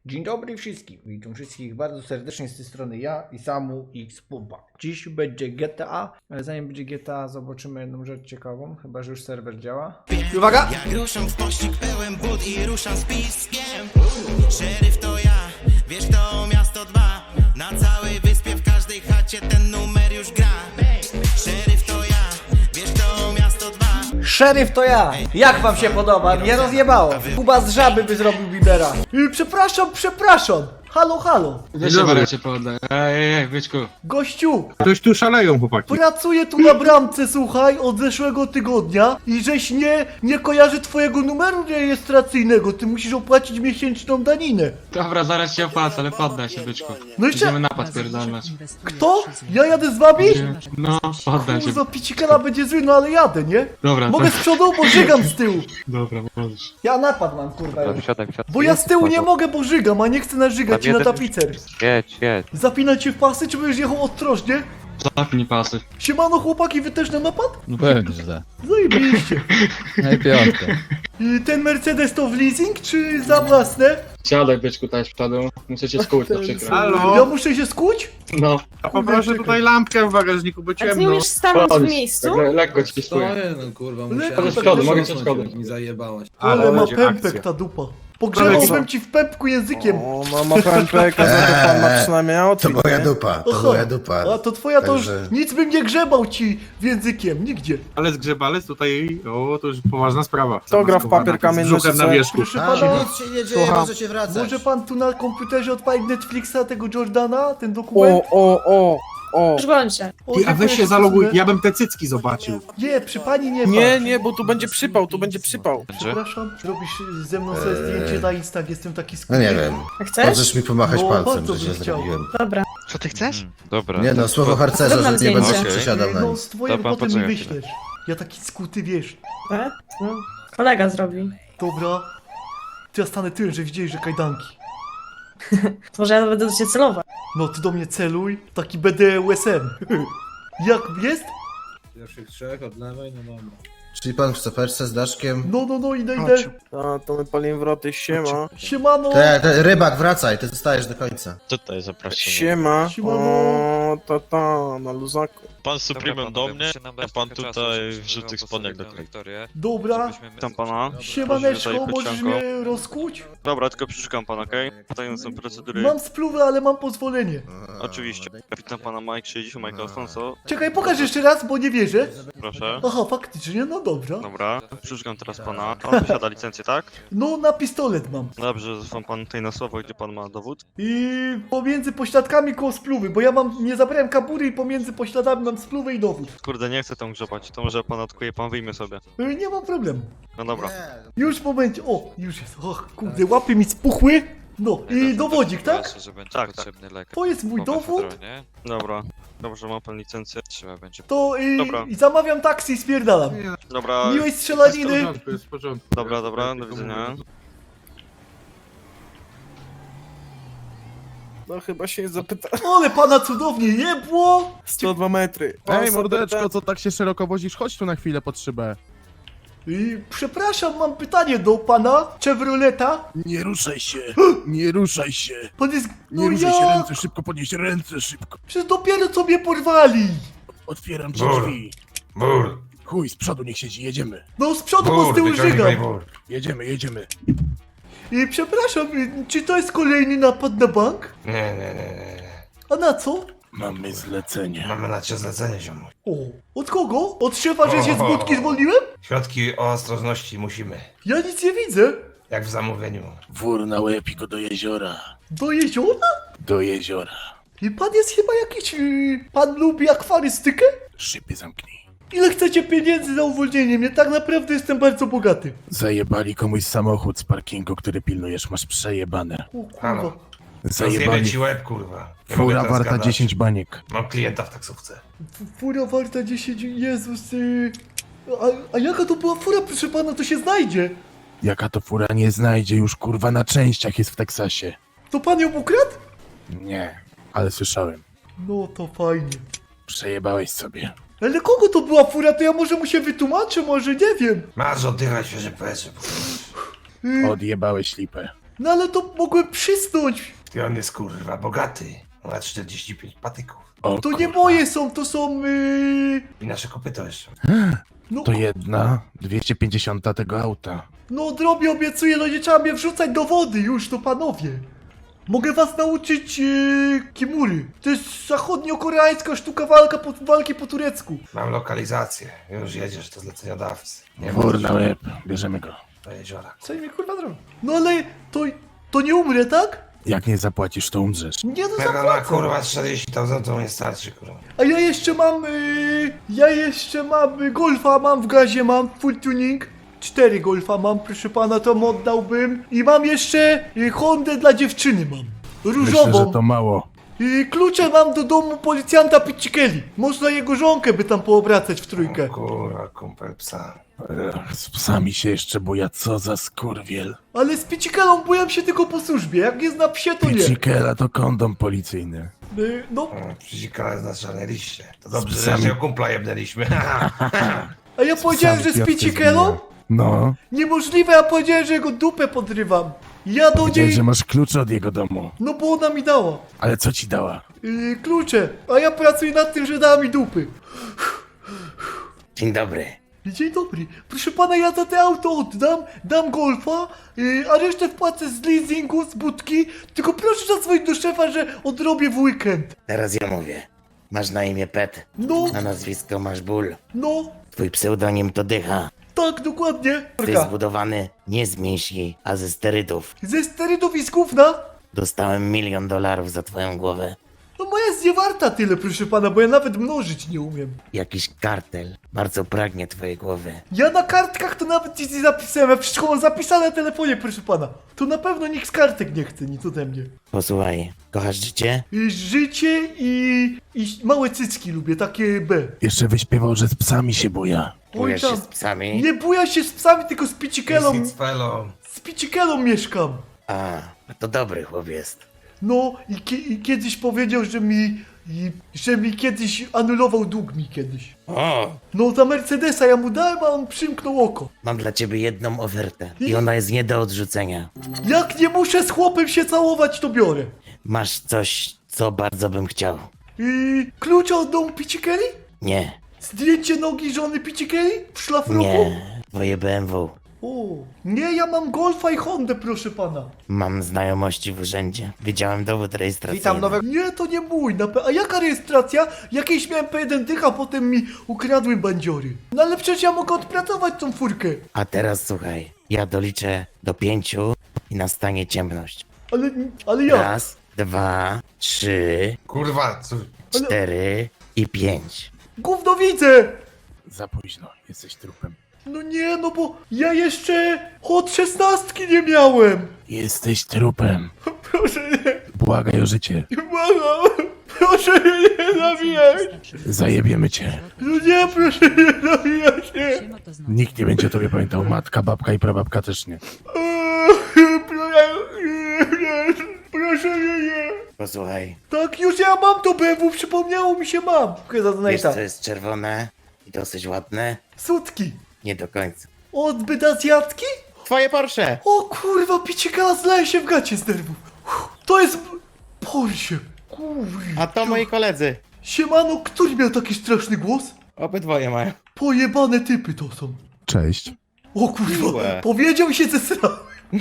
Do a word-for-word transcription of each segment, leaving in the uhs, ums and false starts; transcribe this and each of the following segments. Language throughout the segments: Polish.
Dzień dobry wszystkim. Witam wszystkich bardzo serdecznie z tej strony ja i Samu X Pumpa. Dziś będzie G T A, ale zanim będzie G T A zobaczymy jedną rzecz ciekawą, chyba że już serwer działa. I uwaga! Jak ruszam w pościg pełen but i ruszam z piskiem. Szeryf to ja, wiesz to miasto dwa. Na całej wyspie, w każdej chacie ten numer już gra. Szeryf to ja, wiesz to miasto dwa. Szeryf to ja! Jak wam się podoba? Nie rozjebało! Kuba z żaby by zrobił Bibera. Yy, przepraszam, przepraszam! Halo, halo! Weź się baracie podaj. Ej, ej, ej, byczku. Gościu! Ktoś tu szaleją, chłopaki. Pracuję tu na bramce, słuchaj, od zeszłego tygodnia i żeś nie, nie kojarzy twojego numeru rejestracyjnego, ty musisz opłacić miesięczną daninę. Dobra, zaraz się opłacę, ale poddaj się, byczku. No jeszcze- Będziemy napad pierdolnąć. Kto? Ja jadę z wami? No, poddaj się. Kurwa, picikela będzie zły, no ale jadę, nie? Dobra, Mogę to... z przodu, bo żygam z tyłu. Dobra, możesz. Ja napad mam, kurwa, już. Wysiadaj, wysiadaj. Bo ja z tyłu nie mogę, bo żygam, a nie chcę nażygać ci na tapicer. Jedź, jedź. Zapinać się w pasy, czy będziesz jechał ostrożnie? Zapnij pasy. Siemano chłopaki, wy też na napad? No pewnie, że tak. Zajebiście. No i piątka. I ten Mercedes to w leasing, czy za własne? Siadaj, byczku, tutaj z przodu. Muszę cię skuć, to przykro. Halo? Ja muszę się skuć? No. A poproszę tutaj lampkę w bagażniku, bo A ty nie ciemno. umiesz stanąć w Chodź, miejscu? tak le lekko ci skuję. Stoję, no kurwa, Lekko musiałem tak szkody, też mogę rosnąć, cię szkody. jak mi zajebałaś. Ale, Ale ma będzie pępek akcja. ta dupa. Pogrzebałbym Ale co? ci w pępku językiem. O, mama pępek, a za to pan ma przynajmniej To outfit, moja nie? dupa, to Aha. moja dupa. A to twoja to już Także- nic bym nie grzebał ci w językiem, nigdzie. Ale zgrzebalec tutaj, o, to już poważna sprawa. Kto gra w papier, kamień, Z brzuchem nożyce? na wierzchu. Proszę A, pana, Nic się nie dzieje, Słucham. możecie wracać. może pan tu na komputerze odpalić Netflixa tego Jordana, ten dokument? O, o, o, o. Już bądźcie. O, Ty, a dziękuję, weź się zaloguj, dziękuję. ja bym te cycki zobaczył. Nie, przy pani nie Nie, patrz. nie, bo tu będzie przypał, tu będzie przypał. Przepraszam, robisz ze mną sobie zdjęcie na Insta, jestem taki No skuty. nie wiem, A chcesz? możesz mi pomachać No, palcem, bardzo że bym źle chciał. zrobiłem. Dobra. Co ty chcesz? Dobra. Nie no, słowo harcerza, Zrób nam że nie będę zdjęcie. się przesiadał na No nic. z twojego Dobra, potem mi poczekaj wyślesz. Ja taki skuty, wiesz. Tak? No. Kolega zrobi. Dobra. To ja stanę tyłem, że widzieli, że kajdanki. To może ja będę do ciebie celować. No ty do mnie celuj, taki będę U S M. Jak jest? Pierwszych trzech od lewej, no dobra. Czyli pan w soferce z Daszkiem? No, no, no, idę, idę. A, to my palimy wroty, siema. Siemano. Te, te, rybak, wracaj, ty zostajesz do końca. Tutaj zapraszam. Siema. Siemano. O, ta, ta, na luzaku. Pan Supremem do mnie, a pan tutaj wrzuty spodniak do końca. Dobra. Witam pana. Siemaneczko, Proszę tutaj możesz pytanko. mnie rozkuć? Dobra, tylko przeszukam pana, okej? Tutaj są procedury. Mam spluwę, ale mam pozwolenie. Oczywiście. Witam pana Mike sześćdziesiąt, Mike Alfonso. Czekaj, pokaż jeszcze raz, bo nie wierzę. Proszę. Aha, faktycznie, no dobra. Dobra, przeszukam teraz pana. Pan posiada licencję, tak? No, na pistolet mam. Dobrze, zresztą pan tutaj na słowo, gdzie pan ma dowód. I pomiędzy pośladkami koło spluwy, bo ja mam, nie zabrałem kabury i pomiędzy pośladami mam spluwę i dowód. Kurde, nie chcę tam grzebać, to może pan odkuje, pan wyjmie sobie. Y, Nie ma problemu. No dobra. Już w momencie, o, już jest, och, kurde, łapy mi spuchły. No, i dowodzik, tak? Tak, tak. To jest mój dowód, Dobra. Dobrze, ma pan licencję. to y, Dobra. i zamawiam taksi i spierdalam. Dobra, Miłej Jest w strzelaniny. porządku, jest w porządku. dobra, dobra, do widzenia. No chyba się zapyta. Ale pana cudownie jebło. sto dwa metry. Pan Ej, mordeczko, zapyta- co tak się szeroko wozisz? Chodź tu na chwilę pod szybę. Y, przepraszam, mam pytanie do pana Chevroleta. Nie ruszaj się, nie ruszaj się. Pan jest, no Nie ruszaj się, ja, ręce szybko podnieś, ręce szybko. przecież dopiero co mnie porwali. Otwieram ci drzwi. Bur, Chuj, z przodu niech siedzi, jedziemy. No z przodu, bo z tyłu żygam. Jedziemy, jedziemy. I przepraszam, y, czy to jest kolejny napad na bank? Nie, nie, nie, nie, nie. A na co? Mamy zlecenie. Mamy na cię zlecenie, ziomu. O, od kogo? Od szefa, że się z budki zwolniłem? Środki o ostrożności musimy. Ja nic nie widzę. Jak w zamówieniu. Wór na łeb i go do jeziora. Do jeziora? Do jeziora. I pan jest chyba jakiś... Yy, pan lubi akwarystykę? Szybie zamknij. Ile chcecie pieniędzy za uwolnienie mnie? Tak naprawdę jestem bardzo bogaty. Zajebali komuś samochód z parkingu, który pilnujesz, masz przejebane. O kurwa. Halo. Zajebali. łeb, kurwa. Fura warta dziesięć baniek. Mam klienta w taksówce. F- Fura warta dziesięć... Jezus... Yy... A, a jaka to była fura, proszę pana? To się znajdzie. Jaka to fura nie znajdzie, już kurwa na częściach jest w Teksasie. To pan ją ukradł? Nie, ale słyszałem. No to fajnie. Przejebałeś sobie. Ale kogo to była fura? To ja może mu się wytłumaczę, może nie wiem. Masz oddychać świeże powietrze. Yy, Odjebałeś lipę. No ale to mogłem przysnąć. I on jest kurwa bogaty. Ma czterdzieści pięć patyków. O, To nie kurwa. moje są, to są... Yy... I nasze kopyto jeszcze. No, To jedna dwieście pięćdziesiąt tego auta. no drobie obiecuję, no nie trzeba mnie wrzucać do wody już, to panowie. Mogę was nauczyć yy, kimury. To jest zachodnio-koreańska sztuka walka po, walki po turecku. Mam lokalizację. Już jedziesz do zleceniodawcy. Nie Wór na możesz łeb, bierzemy go. do jeziora. Co mi kurwa zrobią? No ale to, to nie umrę, tak? Jak nie zapłacisz, to umrzesz. Nie no Mega na zapłacę. kurwa czterdzieści tysięcy to nie starczy kurwa. A ja jeszcze mam, yy, ja jeszcze mam yy, golfa, mam w gazie, mam full tuning. Cztery golfa mam, proszę pana, to mu oddałbym. I mam jeszcze yy, Hondę dla dziewczyny mam. Różową. Myślę, że to mało. I klucze mam do domu policjanta Piccikeli. Można jego żonkę by tam poobracać w trójkę. O kurwa, kumpel psa. Ech, z psami się jeszcze buja, co za skurwiel. Ale z Piccikelą bujam się tylko po służbie. Jak jest na psie, to nie. Pizzikela to kondom policyjny. Y, No, Przyzikala jest na czarnej liście. To dobrze, psami. że się kumpla jebnęliśmy. a ja powiedziałem, że z piątkę Piccikelą? zbija. No, Niemożliwe, ja powiedziałem, że jego dupę podrywam. Ja do powiedziałeś, niej... że masz klucze od jego domu. No bo ona mi dała. Ale co ci dała? Yy, klucze. A ja pracuję nad tym, że dała mi dupy. Dzień dobry. Dzień dobry. Proszę pana, ja za te auto oddam, dam golfa, yy, a resztę wpłacę z leasingu, z budki. Tylko proszę zadzwonić do szefa, że odrobię w weekend. Teraz ja mówię. Masz na imię Pet, No, na nazwisko masz Ból. no, Twój pseudonim to Dycha. tak, dokładnie. Ty zbudowany nie z mięśni, a ze sterydów. Ze sterydów i z gówna? Dostałem milion dolarów za twoją głowę. No moja jest nie warta tyle, proszę pana, bo ja nawet mnożyć nie umiem. Jakiś kartel bardzo pragnie twojej głowy. Ja na kartkach to nawet nic nie zapisałem, ja wszystko mam zapisane na telefonie, proszę pana. To na pewno nikt z kartek nie chce, nic ode mnie. Posłuchaj, kochasz życie? I życie i, i małe cycki lubię, takie B. Jeszcze wyśpiewał, że z psami się buja. Oj Bujesz się tam, z psami? nie buja się z psami, tylko z Piccikelą, Fellow. z Piccikelą mieszkam. A, to dobry chłop jest. No i, ki i kiedyś powiedział, że mi, i, że mi kiedyś anulował dług mi kiedyś. O, No za Mercedesa ja mu dałem, a on przymknął oko. mam dla ciebie jedną ofertę i ona jest nie do odrzucenia. Jak nie muszę z chłopem się całować, to biorę. Masz coś, co bardzo bym chciał. I klucze od domu Piccikeli? Nie, Zdjęcie nogi żony Piccikeli? W szlafroku? nie, twoje B M W. O, nie, ja mam Golfa i Hondę, proszę pana. Mam znajomości w urzędzie. Widziałem dowód rejestracyjny. Nie, to nie mój. Na pe- a jaka rejestracja? Jakieś miałem P jeden dych, a potem mi ukradły bandziory. No ale przecież ja mogę odpracować tą furkę. A teraz słuchaj, ja doliczę do pięciu i nastanie ciemność. Ale, ale ja. Raz, dwa, trzy, Kurwa, co? cztery i pięć. Gówno widzę. Za późno, jesteś trupem. No nie, no bo ja jeszcze od szesnastki nie miałem. Jesteś trupem. Proszę nie, Błagaj o życie. błagam. Proszę mnie nie zabijać. Zajebiemy cię. No nie, proszę nie zabijać się. Nikt nie będzie o tobie pamiętał. Matka, babka i prababka też nie. Eee, Proszę, proszę mnie nie. Posłuchaj, Tak, już ja mam to B M W, przypomniało mi się, mam. Dziękuję za wiesz donata. co jest czerwone i dosyć ładne? Sutki. Nie do końca. Odbyt azjatki? Twoje Porsche! O kurwa, Piccikela zleje się w gacie z nerwów. Uff, to jest Porsche. Kurwa. A to moi koledzy. Siemano, który miał taki straszny głos? Obydwoje mają. Pojebane typy to są. Cześć. O kurwa, Miłe. powiedział i się zesrałem.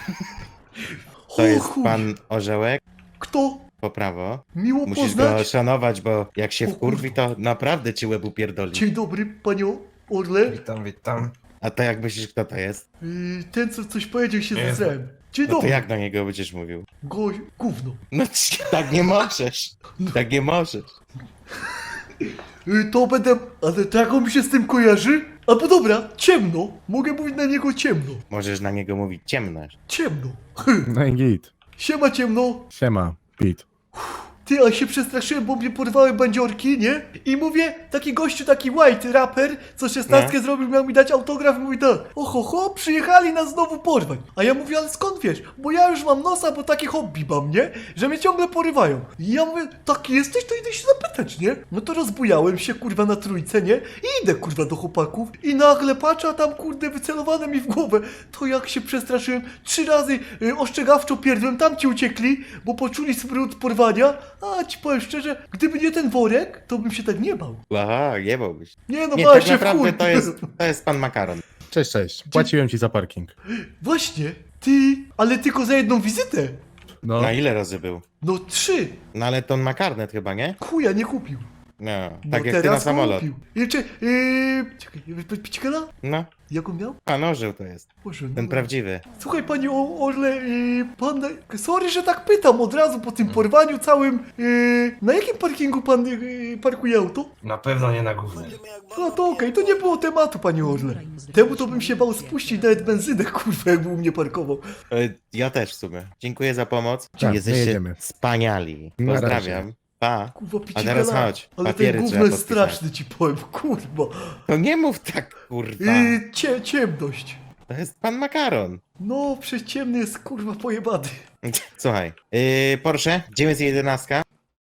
To O jest chuj. pan Orzełek, Kto? po prawo. Miło Musisz go poznać. szanować, bo jak się O wkurwi, to naprawdę ci łeb upierdoli. Dzień dobry, panią Orle. Witam, witam. A to jak myślisz, kto to jest? Yy, ten, co coś powiedział, się Nie. zesrałem. Dzień No to dobry. jak do niego będziesz mówił? Goś, gówno. No ci- tak nie możesz. Tak nie możesz. Yy, to będę... Ale tak on mi się z tym kojarzy? Albo dobra, ciemno. Mogę mówić na niego ciemno. Możesz na niego mówić ciemno. Ciemno. No i git. Siema ciemno. Siema, Pete. Ty, a się przestraszyłem, bo mnie porwały bandziorki, nie? I mówię, taki gościu, taki white raper, co szesnastkę zrobił, miał mi dać autograf i mówi tak, oho, ho, przyjechali nas znowu porwać. A ja mówię, ale skąd wiesz? Bo ja już mam nosa, bo takie hobby mam, nie? Że mnie ciągle porywają. I ja mówię, taki jesteś, to idę się zapytać, nie? No to rozbujałem się, kurwa, na trójce, nie? I idę, kurwa, do chłopaków i nagle patrzę, a tam, kurde, wycelowane mi w głowę. To jak się przestraszyłem, trzy razy y, ostrzegawczo pierdłem, tam ci uciekli, bo poczuli smród porwania. A ci powiem szczerze, gdyby nie ten worek, to bym się tak nie bał. Aha, nie byłbyś. Nie no, Nie, bałem tak się w naprawdę chuj. to jest, to jest pan Makaron. Cześć, cześć. Płaciłem ci za parking. Właśnie, ty, ale tylko za jedną wizytę. No, Na ile razy był? No trzy. No ale to on ma karnet chyba, nie? Chuja nie kupił. No, No tak jak ty na teraz samolot. kupił. Jeszcze, yy, czekaj, Picikela? No, Jak on miał? pan orzeł to jest. Boże, no. Ten prawdziwy. Słuchaj, panie o, Orle, yy, pan, sorry, że tak pytam od razu po tym porwaniu całym, yy, na jakim parkingu pan yy, parkuje auto? Na pewno nie na głównym. No to okej, to nie było tematu, panie Orle. Temu to bym się bał spuścić nawet benzynę, kurwa, jakby u mnie parkował. E, Ja też w sumie. Dziękuję za pomoc. Tak, my Jesteście jedziemy. wspaniali. Na Pozdrawiam. Pa. Kurwa, A Picikela. teraz chodź. Ale ten Papiery gówno trzeba jest podpisać. straszny, ci powiem, kurwa. To nie mów tak, kurwa. Yy, cie, ciemność. To jest pan Makaron. No, przez ciemny jest, kurwa, pojebany. Słuchaj. Yy, Porsche dziewięćset jedenaście.